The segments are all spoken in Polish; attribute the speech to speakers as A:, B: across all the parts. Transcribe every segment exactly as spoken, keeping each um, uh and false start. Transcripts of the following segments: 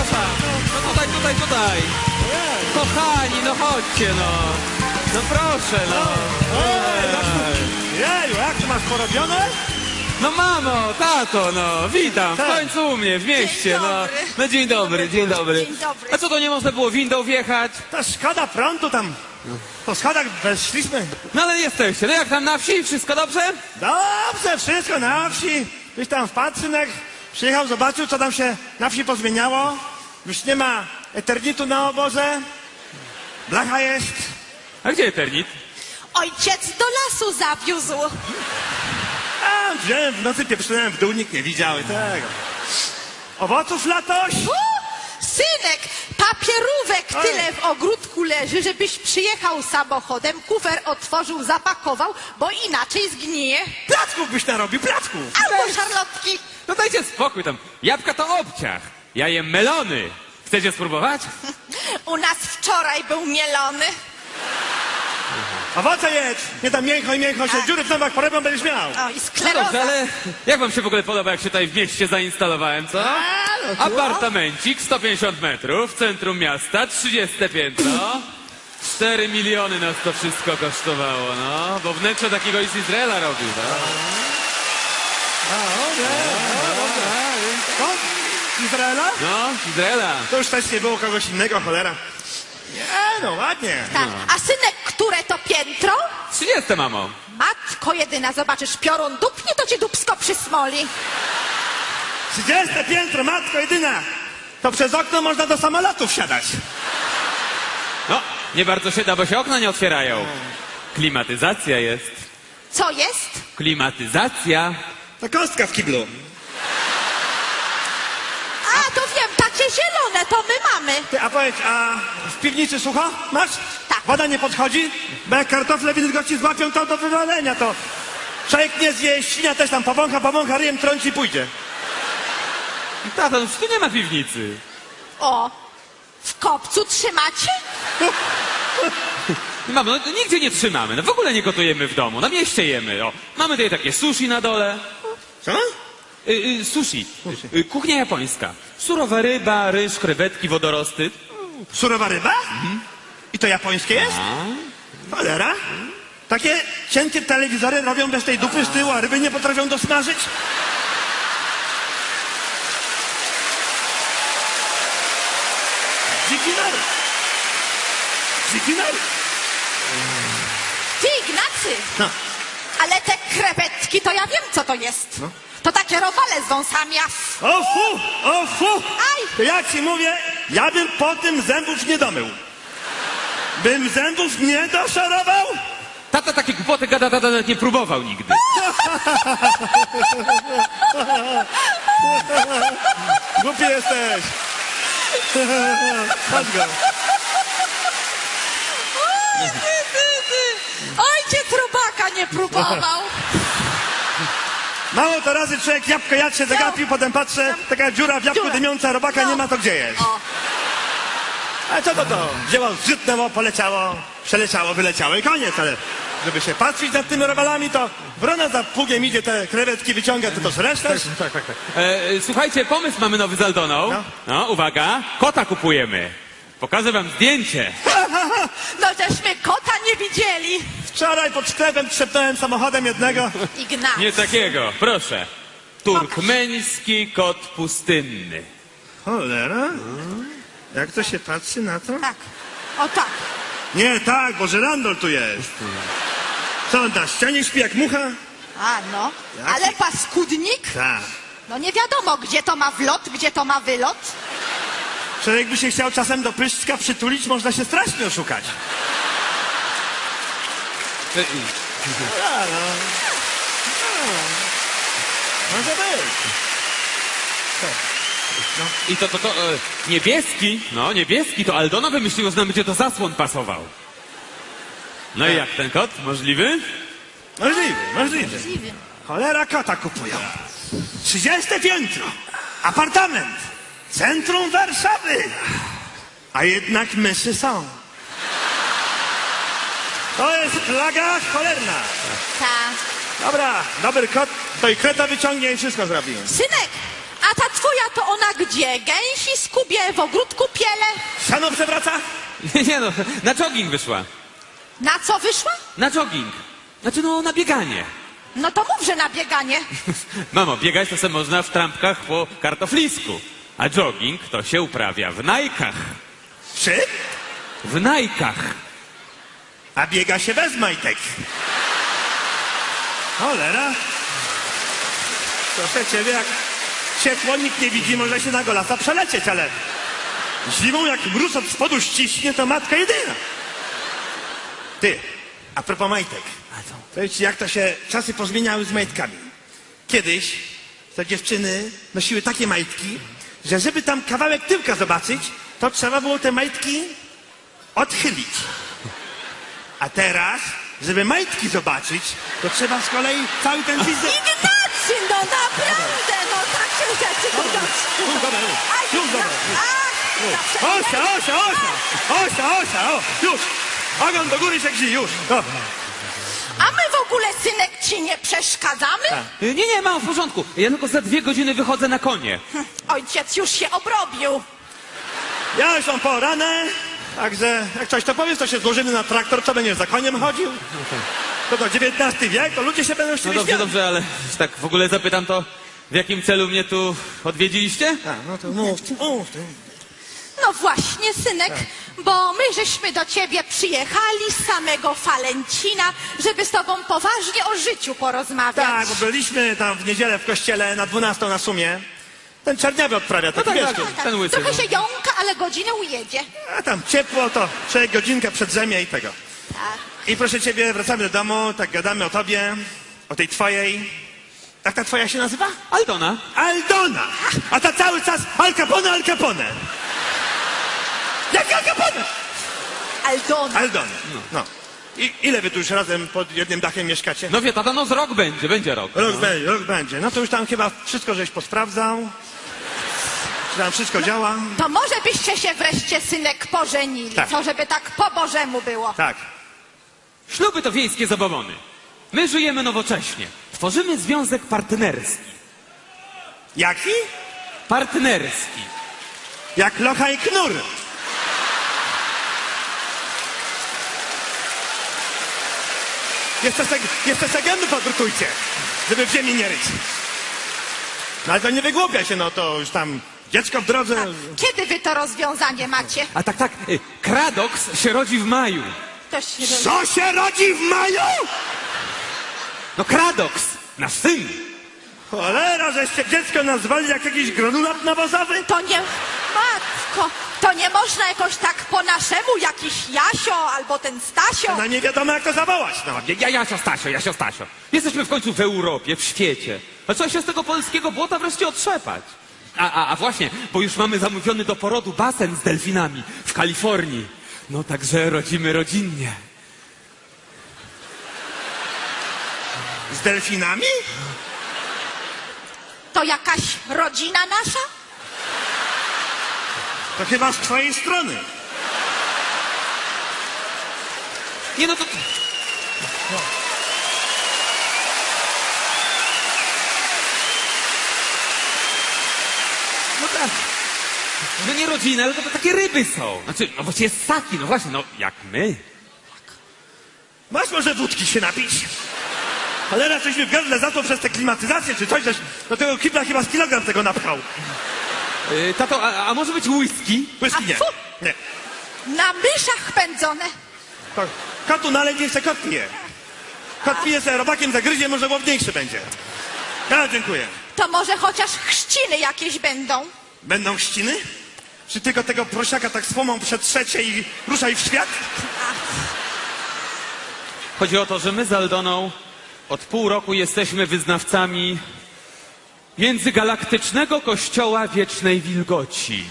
A: przepraszam. No tutaj, tutaj, tutaj. Kochani, no chodźcie, no. No proszę, no.
B: Jeju, jak to masz porobione?
A: No mamo, tato, no, witam, w
B: Tak.
A: końcu u mnie, w mieście,
C: Dzień
A: no.
C: dobry.
A: No dzień dobry, dzień dobry.
C: Dzień dobry.
A: A co, to nie można było windą wjechać?
B: Ta szkoda prądu tam. Po schodach weszliśmy.
A: No ale jesteście, no jak tam na wsi, wszystko dobrze?
B: Dobrze, wszystko na wsi. Byś tam wpadł, synek. Przyjechał, zobaczył, co tam się na wsi pozmieniało. Już nie ma eternitu na oborze. Blacha jest.
A: A gdzie Eternit?
C: Ojciec do lasu zawiózł.
B: A, wziąłem w nocy, pieprzyłem w dół, nikt nie widział i tego. Owoców latoś?
C: U, synek, papierówek
B: Oj.
C: tyle w ogródku leży, żebyś przyjechał samochodem, kufer otworzył, zapakował, bo inaczej zgnije.
B: Placków byś narobił, placków.
C: Albo szarlotki.
A: No dajcie spokój tam, jabłka to obciach. Ja jem melony. Chcecie spróbować?
C: U nas wczoraj był mielony.
B: Owoce jedz. Nie tam mięcho i mięcho się
C: Tak.
B: dziury w zębach porobią, będziesz miał.
C: O, i
A: No dobrze,
C: skleroza.
A: ale jak wam się w ogóle podoba, jak się tutaj w mieście zainstalowałem, co? Apartamencik, sto pięćdziesiąt metrów, centrum miasta, trzydzieste piętro. cztery miliony nas to wszystko kosztowało, no. Bo wnętrze takiego i z Izraela robił, no.
B: Co? Z Izraela?
A: No, z Izraela.
B: To już też nie było kogoś innego, cholera. Nie, no ładnie.
C: Tak. A synek, które to piętro?
A: trzydzieste, mamo.
C: Matko jedyna, zobaczysz, piorun dupnie, to ci dupsko przysmoli.
B: Trzydzieste piętro, matko jedyna. To przez okno można do samolotu wsiadać.
A: No, nie bardzo się da, bo się okna nie otwierają. Klimatyzacja jest.
C: Co jest?
A: Klimatyzacja.
B: To kostka w kiblu.
C: A, to wiem, takie zielone, to my mamy.
B: Ty, a powiedz, a w piwnicy sucho masz?
C: Tak.
B: Woda nie podchodzi? Bo jak kartofle wilgoci złapią, to do wywalenia, to człowiek nie zje, świnia też tam powącha, powącha, ryjem trąci i pójdzie.
A: Tato, no tu nie ma piwnicy.
C: O, w kopcu trzymacie?
A: Mamo, no nigdzie nie trzymamy, no w ogóle nie gotujemy w domu, na mieście jemy, o. Mamy tutaj takie sushi na dole.
B: Co?
A: Y, y, sushi, y, kuchnia japońska. Surowa ryba, ryż, krewetki, wodorosty.
B: Surowa ryba? I to japońskie jest? Cholera. Takie cienkie telewizory robią bez tej dupy z tyłu, a ryby nie potrafią dosmażyć? Dziki naród. Dziki naród.
C: Ty, Ignacy,
B: No.
C: ale te krewetki, to ja wiem, co to jest. To takie robale z wąsami, a... f-
B: O fu, o fu!
C: Aj!
B: To ja ci mówię, ja bym po tym zębów nie domył. Bym zębów nie doszorował?
A: Tata takie głupoty gada, tata nawet nie próbował nigdy.
B: Głupi jesteś. Chodź go.
C: Oj, ty, ty, ty. Ojciec robaka nie próbował.
B: Mało to razy człowiek jabłko jadł się zagapił, potem patrzę, taka dziura w jabłku
C: Dziura.
B: dymiąca, robaka
C: No.
B: nie ma, to gdzie jest?
C: O,
B: A co to to? Wzięło, zrzytnęło, poleciało, przeleciało, wyleciało i koniec, ale żeby się patrzeć nad tymi robalami, to wrona za pługiem idzie, te krewetki wyciąga, ty to żresz też?
A: Tak, tak, tak. E, słuchajcie, pomysł mamy nowy z Aldoną.
B: No.
A: No, uwaga, kota kupujemy. Pokażę wam zdjęcie.
C: no żeśmy kota nie widzieli.
B: Wczoraj pod sklepem trzepnąłem samochodem jednego.
C: Ignacy.
A: Nie takiego, proszę. Turkmeński kot pustynny.
B: Cholera? Jak to się patrzy na to?
C: Tak, o tak.
B: Nie, tak, bo żyrandol tu jest. Co on na ścianie śpi jak mucha?
C: A, no.
B: Jaki?
C: Ale paskudnik?
B: Tak.
C: No nie wiadomo, gdzie to ma wlot, gdzie to ma wylot.
B: Człowiek by się chciał czasem do pyszczka przytulić, można się strasznie oszukać.
A: E,
B: A, no. A. Może być.
A: I to, to, to, e, niebieski, no niebieski, to Aldona wymyśliła, że nam będzie to zasłon pasował. No i jak ten kot? Możliwy?
B: Możliwy, możliwy.
C: Dziwny.
B: Cholera kota kupują. trzydzieste piętro. Apartament. Centrum Warszawy. A jednak myszy są. To jest plaga cholerna.
C: Tak.
B: Dobra, dobry kot, to i kreta wyciągnie i wszystko zrobi.
C: Synek, a ta twoja to ona gdzie? Gęsi skubie, w ogródku piele?
B: Siano przewraca?
A: Nie no, na jogging wyszła.
C: Na co wyszła?
A: Na jogging. Znaczy no, na bieganie.
C: No to mów, że na bieganie.
A: Mamo, biegać to se można w trampkach po kartoflisku. A jogging to się uprawia w najkach.
B: Czy?
A: W najkach.
B: A biega się bez majtek. Cholera. Proszę ciebie, jak ciepło nikt nie widzi, może się na golasa przelecieć, ale zimą jak mróz od spodu ściśnie, to matka jedyna. Ty, a propos majtek. Powiem ci, jak to się czasy pozmieniały z majtkami. Kiedyś te dziewczyny nosiły takie majtki, że żeby tam kawałek tyłka zobaczyć, to trzeba było te majtki odchylić. A teraz, żeby majtki zobaczyć, to trzeba z kolei cały ten wizerunek...
C: Ignacy, no naprawdę, no tak się rzeczy to
B: Już dobra, już,
C: Aj,
B: już dobra.
C: ach,
B: Osia, Osia, Osia! Osia, Osia, o, już! Ogon do góry się gzi, już! O.
C: A my w ogóle, synek, ci nie przeszkadzamy?
A: Y, Nie, nie, mam w porządku. Ja tylko za dwie godziny wychodzę na konie.
C: Hm, Ojciec już się obrobił.
B: Ja już mam poranę, także jak coś to powiesz, to się złożymy na traktor, co będziesz za koniem chodził? To to dziewiętnasty wiek, to ludzie się będą
A: No
B: chcieli
A: dobrze,
B: śmiać.
A: dobrze, ale że tak w ogóle zapytam to, w jakim celu mnie tu odwiedziliście?
B: A, no to mów, mów.
C: No właśnie, synek, bo my żeśmy do ciebie przyjechali z samego Falencina, żeby z tobą poważnie o życiu porozmawiać.
B: Tak, bo byliśmy tam w niedzielę w kościele na dwunastą na sumie. Ten czerniawy odprawia, taki
A: tak,
B: wiesz,
A: tak. Ten łysy,
C: Trochę
A: no.
C: się jąka, ale godzinę ujedzie.
B: a tam ciepło, to człowiek godzinkę przed zemie i tego.
C: Tak.
B: I proszę ciebie, wracamy do domu, tak gadamy o tobie, o tej twojej... Jak ta twoja się nazywa?
A: Aldona.
B: Aldona! A ta cały czas Al Capone, Al Capone! Jak Al Capone?
C: Aldona.
B: Aldona. No. I ile wy tu już razem pod jednym dachem mieszkacie?
A: No wie, tata, no z rok będzie, będzie rok.
B: Rok będzie, rok będzie. No to już tam chyba wszystko żeś posprawdzał. Czy tam wszystko działa?
C: To może byście się wreszcie, synek, pożenili,
B: Tak.
C: co żeby tak po Bożemu było.
B: Tak.
A: Śluby to wiejskie zabawony. My żyjemy nowocześnie. Tworzymy związek partnerski.
B: Jaki?
A: Partnerski.
B: Jak locha i knur. Jeszcze se, jeszcze se gęby podrukujcie, żeby w ziemi nie ryć. No ale to nie wygłupia się, no to już tam dziecko w drodze.
C: Kiedy wy to rozwiązanie macie?
A: A tak, tak, y, Kradoks się rodzi w maju.
C: To się roz...
B: Co się rodzi w maju?
A: No Kradoks, nasz syn.
B: Cholera, żeście dziecko nazwali jak jakiś granulat nawozowy?
C: To nie... Matko, to nie można jakoś tak po naszemu, jakiś Jasio albo ten Stasio.
B: No nie wiadomo jak to zawołać, no.
A: Ja, ja, Jasio, Stasio, Jasio, Stasio. Jesteśmy w końcu w Europie, w świecie. A trzeba się z tego polskiego błota wreszcie otrzepać. A, a, a właśnie, bo już mamy zamówiony do porodu basen z delfinami w Kalifornii. No także rodzimy rodzinnie.
B: Z delfinami?
C: To jakaś rodzina nasza?
B: To chyba z twojej strony.
A: Nie no to... No tak. No nie rodzina, ale to, to takie ryby są. Znaczy, no właściwie ssaki, no właśnie, no jak my.
B: Masz może wódki się napić? Cholera, coś mi w gardle za to przez tę klimatyzację czy coś, żeś do tego kibla chyba z kilogram tego napchał.
A: Yy, tato, a, a może być whisky?
B: Whisky nie.
C: A fu!
B: Nie.
C: Na myszach pędzone.
B: To kotu nalej, niech se kot pije. Kot pije se robakiem zagryzie, może łowniejszy będzie. Ja dziękuję.
C: To może chociaż chrzciny jakieś będą?
B: Będą ściny? Czy tylko tego prosiaka tak słomą przetrzecie i ruszaj w świat?
A: Chodzi o to, że my z Aldoną od pół roku jesteśmy wyznawcami międzygalaktycznego kościoła wiecznej wilgoci.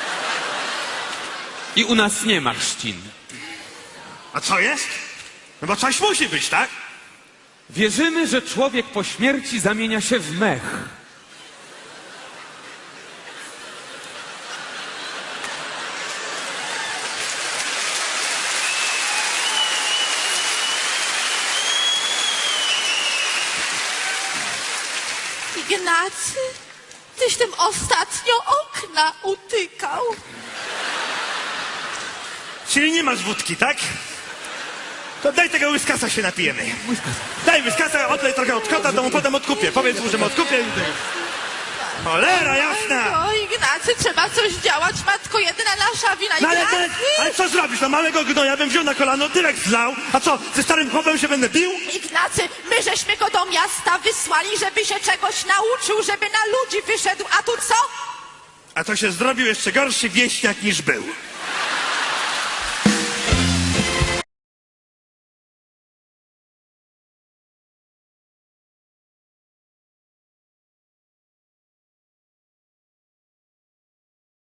A: I u nas nie ma chrzcin.
B: A co jest? No bo coś musi być, tak?
A: Wierzymy, że człowiek po śmierci zamienia się w mech.
C: Ignacy, tyś tym ostatnio okna utykał.
B: Czyli nie masz wódki, tak? To daj tego łyskasa się napijemy. Daj łyskasa, odlej trochę od kota, to mu potem odkupię. Powiedz mu, że mu odkupię. Cholera jasna!
C: No Ignacy, trzeba coś działać, matko jedyna nasza wina.
B: No ale,
C: Ignacy!
B: ale, ale co zrobisz? No małego gnoja bym wziął na kolano, tyrek zlał. A co, ze starym chłopem się będę bił?
C: Ignacy, my żeśmy go do miasta wysłali, żeby się czegoś nauczył, żeby na ludzi wyszedł, a tu co?
B: A to się zrobił jeszcze gorszy wieśniak niż był.